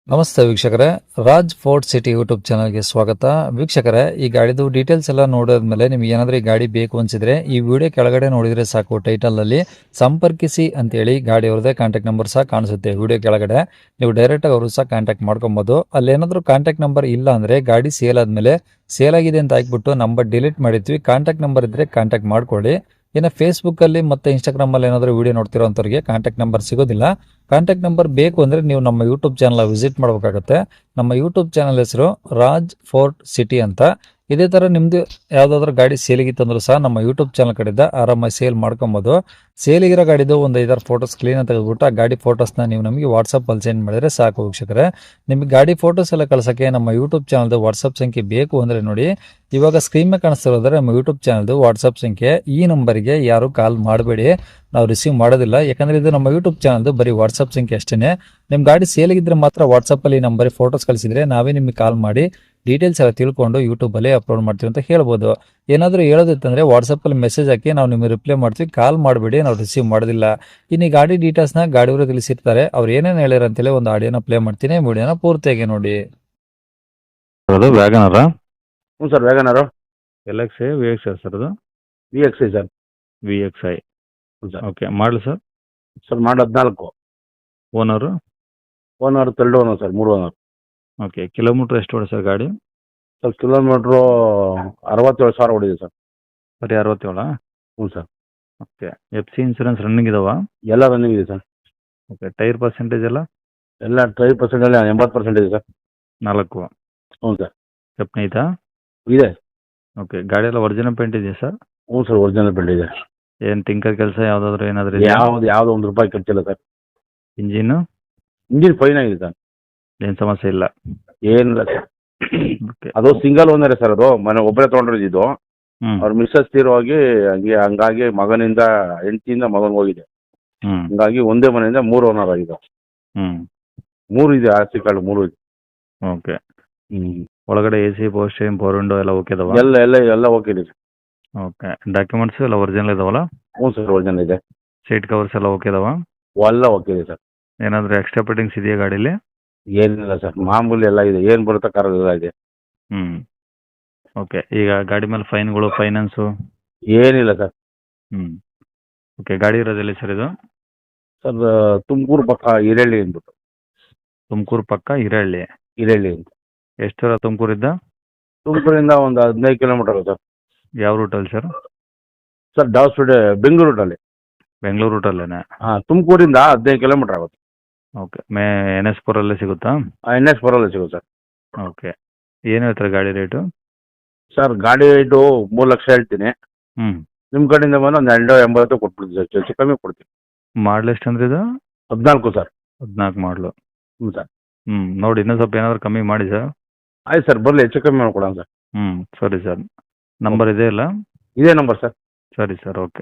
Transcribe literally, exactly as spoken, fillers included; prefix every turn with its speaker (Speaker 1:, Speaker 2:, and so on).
Speaker 1: ನಮಸ್ತೆ ವೀಕ್ಷಕರೇ, Raj fort city YouTube ಚಾನಲ್ಗೆ ಸ್ವಾಗತ. ವೀಕ್ಷಕರೇ, ಈ ಗಾಡಿದು ಡೀಟೇಲ್ಸ್ ಎಲ್ಲ ನೋಡಿದ್ಮೇಲೆ ನಿಮ್ಗೆ ಏನಾದರೂ ಈ ಗಾಡಿ ಬೇಕು ಅನ್ಸಿದ್ರೆ ಈ ವಿಡಿಯೋ ಕೆಳಗಡೆ ನೋಡಿದ್ರೆ ಸಾಕು, ಟೈಟಲಲ್ಲಿ ಸಂಪರ್ಕಿಸಿ ಅಂತೇಳಿ ಗಾಡಿ ಅವ್ರದ್ದೇ ಕಾಂಟ್ಯಾಕ್ಟ್ ನಂಬರ್ ಸಹ ಕಾಣಿಸುತ್ತೆ. ವಿಡಿಯೋ ಕೆಳಗಡೆ ನೀವು ಡೈರೆಕ್ಟಾಗಿ ಅವರು ಸಹ ಕಾಂಟ್ಯಾಕ್ಟ್ ಮಾಡ್ಕೊಬೋದು. ಅಲ್ಲೇನಾದರೂ ಕಾಂಟ್ಯಾಕ್ಟ್ ನಂಬರ್ ಇಲ್ಲ ಅಂದರೆ ಗಾಡಿ ಸೇಲ್ ಆದಮೇಲೆ ಸೇಲ್ ಆಗಿದೆ ಅಂತ ಹಾಕ್ಬಿಟ್ಟು ನಂಬರ್ ಡಿಲೀಟ್ ಮಾಡಿದ್ವಿ. ಕಾಂಟ್ಯಾಕ್ಟ್ ನಂಬರ್ ಇದ್ದರೆ ಕಾಂಟ್ಯಾಕ್ಟ್ ಮಾಡ್ಕೊಳ್ಳಿ. ಇನ್ನು ಫೇಸ್ಬುಕ್ಕಲ್ಲಿ ಮತ್ತು ಇನ್ಸ್ಟಾಗ್ರಾಮಲ್ಲಿ ಏನಾದರೂ ವೀಡಿಯೋ ನೋಡ್ತಿರೋ ಅಂಥವ್ರಿಗೆ ಕಾಂಟ್ಯಾಕ್ಟ್ ನಂಬರ್ ಸಿಗೋದಿಲ್ಲ. ಕಾಂಟ್ಯಾಕ್ಟ್ ನಂಬರ್ ಬೇಕು ಅಂದರೆ ನೀವು ನಮ್ಮ ಯೂಟ್ಯೂಬ್ ಚಾನಲ್ ವಿಸಿಟ್ ಮಾಡಬೇಕಾಗುತ್ತೆ. ನಮ್ಮ ಯೂಟ್ಯೂಬ್ ಚಾನಲ್ ಹೆಸರು ರಾಜ್ ಫೋರ್ಟ್ ಸಿಟಿ ಅಂತ. ಇದೇ ಥರ ನಿಮ್ಮದು ಯಾವುದಾದ್ರೂ ಗಾಡಿ ಸೇಲಿಗಿತ್ತಂದ್ರೂ ಸಹ ನಮ್ಮ ಯೂಟ್ಯೂಬ್ ಚಾನಲ್ ಕಡೆಯಿಂದ ಆರಾಮಾಗಿ ಸೇಲ್ ಮಾಡ್ಕೊಬೋದು. ಸೇಲಿಗಿರೋ ಗಾಡಿದು ಒಂದು ಐದಾರು ಫೋಟೋಸ್ ಕ್ಲೀನಾಗಿ ತೆಗೆದುಬಿಟ್ಟು ಆ ಗಾಡಿ ಫೋಟೋಸ್ನ ನೀವು ನಮಗೆ ವಾಟ್ಸಪ್ಪಲ್ಲಿ ಸೆಂಡ್ ಮಾಡಿದರೆ ಸಾಕು ವೀಕ್ಷಕರೇ. ನಿಮಗೆ ಗಾಡಿ ಫೋಟೋಸ್ ಎಲ್ಲ ಕಳ್ಸೋಕ್ಕೆ ನಮ್ಮ ಯೂಟ್ಯೂಬ್ ಚಾನಲ್ದು ವಾಟ್ಸಪ್ ಸಂಖ್ಯೆ ಬೇಕು ಅಂದರೆ ನೋಡಿ, ಇವಾಗ ಸ್ಕ್ರೀನ್ ಮೇಲೆ ಕಾಣಿಸ್ತಿರೋದ್ರೆ ನಮ್ಮ ಯೂಟ್ಯೂಬ್ ಚಾನಲ್ದು ವಾಟ್ಸಪ್ ಸಂಖ್ಯೆ. ಈ ನಂಬರಿಗೆ ಯಾರು ಕಾಲ್ ಮಾಡಬೇಡಿ, ನಾವು ರಿಸೀವ್ ಮಾಡೋದಿಲ್ಲ. ಯಾಕಂದರೆ ಇದು ನಮ್ಮ ಯೂಟ್ಯೂಬ್ ಚಾನಲ್ದು ಬರೀ ವಾಟ್ಸಪ್ ಸಂಖ್ಯೆ ಅಷ್ಟೇ. ನಿಮ್ಮ ಗಾಡಿ ಸೇಲಿಗಿದ್ರೆ ಮಾತ್ರ ವಾಟ್ಸಪ್ಪಲ್ಲಿ ಈ ನಂಬರಿಗೆ ಫೋಟೋಸ್ ಕಳಿಸಿದರೆ ನಾವೇ ನಿಮಗೆ ಕಾಲ್ ಮಾಡಿ ಡೀಟೇಲ್ಸ್ ಎಲ್ಲ ತಿಳ್ಕೊಂಡು ಯೂಟ್ಯೂಬಲ್ಲಿ ಅಪ್ಲೋಡ್ ಮಾಡ್ತೀವಿ ಅಂತ ಹೇಳ್ಬೋದು. ಏನಾದರೂ ಹೇಳೋದಿತ್ತಂದರೆ ವಾಟ್ಸಪ್ಪಲ್ಲಿ ಮೆಸೇಜ್ ಹಾಕಿ ನಾವು ನಿಮಗೆ ರಿಪ್ಲೈ ಮಾಡ್ತೀವಿ, ಕಾಲ್ ಮಾಡಬೇಡಿ, ನಾವು ರಿಸೀವ್ ಮಾಡೋದಿಲ್ಲ. ಇನ್ನು ಈ ಗಾಡಿ ಡೀಟೇಲ್ಸ್ನ ಗಾಡಿಯವರು ತಿಳಿಸಿರ್ತಾರೆ, ಅವ್ರು ಏನೇನು ಹೇಳ್ಯಾರ ಅಂತೇಳಿ ಒಂದು ಆಡಿಯೋನ ಪ್ಲೇ ಮಾಡ್ತೀನಿ, ವಿಡಿಯೋನ ಪೂರ್ತಿಯಾಗಿ ನೋಡಿ.
Speaker 2: ಅದು ವ್ಯಾಗನರ
Speaker 3: ಹ್ಞೂ sir, WagonR
Speaker 2: L X I V X I sir ಅದು
Speaker 3: V X I sir.
Speaker 2: V X I
Speaker 3: ಹ್ಞೂ ಸರ್.
Speaker 2: ಓಕೆ. ಮಾಡಲಿ ಸರ್.
Speaker 3: ಸರ್ ಮಾಡಿ ಹದಿನಾಲ್ಕು.
Speaker 2: Owner
Speaker 3: owner third owner sir, ಮೂರು ಓನರ್.
Speaker 2: ಓಕೆ. ಕಿಲೋಮೀಟ್ರ್ ಎಷ್ಟು ಹೊಡೆ ಸರ್ ಗಾಡಿ?
Speaker 3: ಸರ್ ಕಿಲೋಮೀಟ್ರು ಅರವತ್ತೇಳು ಸಾವಿರ ಹೊಡಿದೆ ಸರ್.
Speaker 2: ಬರೀ ಅರವತ್ತೇಳ?
Speaker 3: ಹ್ಞೂ sir.
Speaker 2: Okay. F C insurance running ಇದಾವ?
Speaker 3: ಎಲ್ಲ ರನ್ನಿಂಗ್ ಇದೆ ಸರ್.
Speaker 2: ಓಕೆ. ಟೈರ್ ಪರ್ಸೆಂಟೇಜ್ ಎಲ್ಲ?
Speaker 3: ಎಲ್ಲ ಟ್ರೈ ಪರ್ಸೆಂಟಲ್ಲಿ ಎಂಬತ್ತು ಪರ್ಸೆಂಟ್ ಇದೆ ಸರ್.
Speaker 2: ನಾಲ್ಕು?
Speaker 3: ಹ್ಞೂ ಸರ್.
Speaker 2: ಸ್ಟೆಪ್ನಿ ಐತಾ?
Speaker 3: ಇದೆ.
Speaker 2: ಓಕೆ. ಗಾಡಿ ಎಲ್ಲ ಒರಿಜಿನಲ್ ಪೇಂಟ್ ಇದೆಯಾ ಸರ್?
Speaker 3: ಹ್ಞೂ ಸರ್, ಒರಿಜಿನಲ್ ಬಿಲ್ಡ್ ಇದೆ.
Speaker 2: ಏನು ಟಿಂಕರ್ ಕೆಲಸ ಯಾವುದಾದ್ರೂ ಏನಾದರೂ ಇದೆಯಾ?
Speaker 3: ಯಾವ್ದು ಯಾವ್ದು ಒಂದು ರೂಪಾಯಿ ಖರ್ಚಿಲ್ಲ ಸರ್.
Speaker 2: ಇಂಜಿನ್ನು
Speaker 3: ಇಂಜಿನ್ ಫೈನ್ ಆಗಿದೆ ಸರ್,
Speaker 2: ಏನು ಸಮಸ್ಯೆ ಇಲ್ಲ?
Speaker 3: ಏನಿಲ್ಲ ಸರ್.
Speaker 2: ಓಕೆ.
Speaker 3: ಅದು ಸಿಂಗಲ್ ಓನರೇ ಸರ್, ಅದು ಮನೆ ಒಬ್ಬರೇ ತೊಗೊಂಡಿದ್ದು.
Speaker 2: ಹ್ಞೂ
Speaker 3: ಅವ್ರ ಮಿಸ್ಸಸ್ ತೀರೋ ಹೋಗಿ ಹಂಗೆ ಹಂಗಾಗಿ ಮಗನಿಂದ ಹೆಂಡತಿಯಿಂದ ಮಗನಿಗೆ ಹೋಗಿದೆ.
Speaker 2: ಹ್ಞೂ
Speaker 3: ಹಂಗಾಗಿ ಒಂದೇ ಮನೆಯಿಂದ ಮೂರು ಓನರ್ ಆಗಿದೆ.
Speaker 2: ಹ್ಞೂ
Speaker 3: ಮೂರು ಇದೆ, ಆಸ್ತಿ ಕಾರ್ಡ್ ಮೂರು ಇದೆ.
Speaker 2: ಓಕೆ.
Speaker 3: ಹ್ಞೂ
Speaker 2: ಒಳಗಡೆ A C power steering power window ಎಲ್ಲ ಓಕೆ ಇದಾವ?
Speaker 3: ಎಲ್ಲ ಎಲ್ಲ ಎಲ್ಲ ಓಕೆ ಇದೆ ಸರ್.
Speaker 2: ಓಕೆ. ಡಾಕ್ಯುಮೆಂಟ್ಸ್ ಎಲ್ಲ ಒರಿಜಿನಲ್ ಇದಾವಲ್ಲ?
Speaker 3: ಹ್ಞೂ ಸರ್, ಒರಿಜಿನಲ್ ಇದೆ.
Speaker 2: ಸೀಟ್ ಕವರ್ಸ್ ಎಲ್ಲ ಓಕೆ ಇದಾವ?
Speaker 3: ಎಲ್ಲ ಓಕೆ ಇದೆ ಸರ್.
Speaker 2: ಏನಾದರೂ ಎಕ್ಸ್ಟ್ರಾ ಫಿಟ್ಟಿಂಗ್ಸ್ ಇದೆಯಾ ಗಾಡೀಲಿ?
Speaker 3: ಏನಿಲ್ಲ ಸರ್, ಮಾಮೂಲಿ ಎಲ್ಲ ಇದೆ, ಏನು ಬರುತ್ತೋ ಕಾರ್ ಎಲ್ಲ ಇದೆ.
Speaker 2: ಹ್ಞೂ ಓಕೆ. ಈಗ ಗಾಡಿ ಮೇಲೆ ಫೈನ್ಗಳು, ಫೈನಾನ್ಸು?
Speaker 3: ಏನಿಲ್ಲ ಸರ್.
Speaker 2: ಹ್ಞೂ ಓಕೆ. ಗಾಡಿ ಇರೋದೆಲ್ಲಿ ಸರ್ ಇದು?
Speaker 3: ಸರ್ ತುಮಕೂರು ಪಕ್ಕ ಹಿರಳ್ಳಿ ಅಂದ್ಬಿಟ್ಟು.
Speaker 2: ತುಮಕೂರು ಪಕ್ಕ ಹಿರಳ್ಳಿ?
Speaker 3: ಹಿರಳ್ಳಿ ಅಂತ.
Speaker 2: ಎಷ್ಟು ದೂರ ತುಮಕೂರಿಂದ?
Speaker 3: ತುಮಕೂರಿಂದ ಒಂದು ಹದಿನೈದು ಕಿಲೋಮೀಟರ್ ಸರ್.
Speaker 2: ಯಾವ ರೂಟಲ್ಲಿ ಸರ್?
Speaker 3: ಸರ್ ಡಾಸ್ಪೇಟೆ ಬೆಂಗಳೂರು ರೂಟಲ್ಲಿ.
Speaker 2: ಬೆಂಗಳೂರು ರೂಟಲ್ಲೇನೆ?
Speaker 3: ಹಾಂ, ತುಮಕೂರಿಂದ ಹದಿನೈದು ಕಿಲೋಮೀಟರ್ ಆಗುತ್ತೆ.
Speaker 2: ಓಕೆ. ಮೇ ಎನ್ ಎಸ್ ಪುರಲ್ಲೇ ಸಿಗುತ್ತಾ?
Speaker 3: ಎನ್ ಎಸ್ ಬರೋಲ್ಲ ಸಿಗುತ್ತೆ ಸರ್.
Speaker 2: ಓಕೆ. ಏನು ಹೇಳ್ತಾರೆ ಗಾಡಿ ರೇಟು?
Speaker 3: ಸರ್ ಗಾಡಿ ರೇಟು ಮೂರು ಲಕ್ಷ ಹೇಳ್ತೀನಿ.
Speaker 2: ಹ್ಞೂ
Speaker 3: ನಿಮ್ಮ ಕಡೆಯಿಂದ ಬಂದು ಒಂದು ಎರಡು ಎಂಬತ್ತು ಕೊಟ್ಬಿಡ್ತೀನಿ ಸರ್, ಹೆಚ್ಚು ಕಮ್ಮಿ ಕೊಡ್ತೀನಿ.
Speaker 2: ಮಾಡಲ್ ಎಷ್ಟು ಅಂದ್ರೆ ಇದು?
Speaker 3: ಹದಿನಾಲ್ಕು ಸರ್.
Speaker 2: ಹದಿನಾಲ್ಕು ಮಾಡಲು?
Speaker 3: ಹ್ಞೂ ಸರ್.
Speaker 2: ಹ್ಞೂ ನೋಡಿ, ಇನ್ನೂ ಸ್ವಲ್ಪ ಏನಾದರೂ ಕಮ್ಮಿ ಮಾಡಿ ಸರ್.
Speaker 3: ಆಯ್ತು ಸರ್, ಬರಲಿ, ಹೆಚ್ಚು ಕಮ್ಮಿ ಮಾಡ್ಕೊಡೋಣ ಸರ್.
Speaker 2: ಹ್ಞೂ ಸರಿ ಸರ್. ನಂಬರ್ ಇದೆ ಇಲ್ಲ?
Speaker 3: ಇದೇ ನಂಬರ್ ಸರ್.
Speaker 2: ಸರಿ ಸರ್, ಓಕೆ.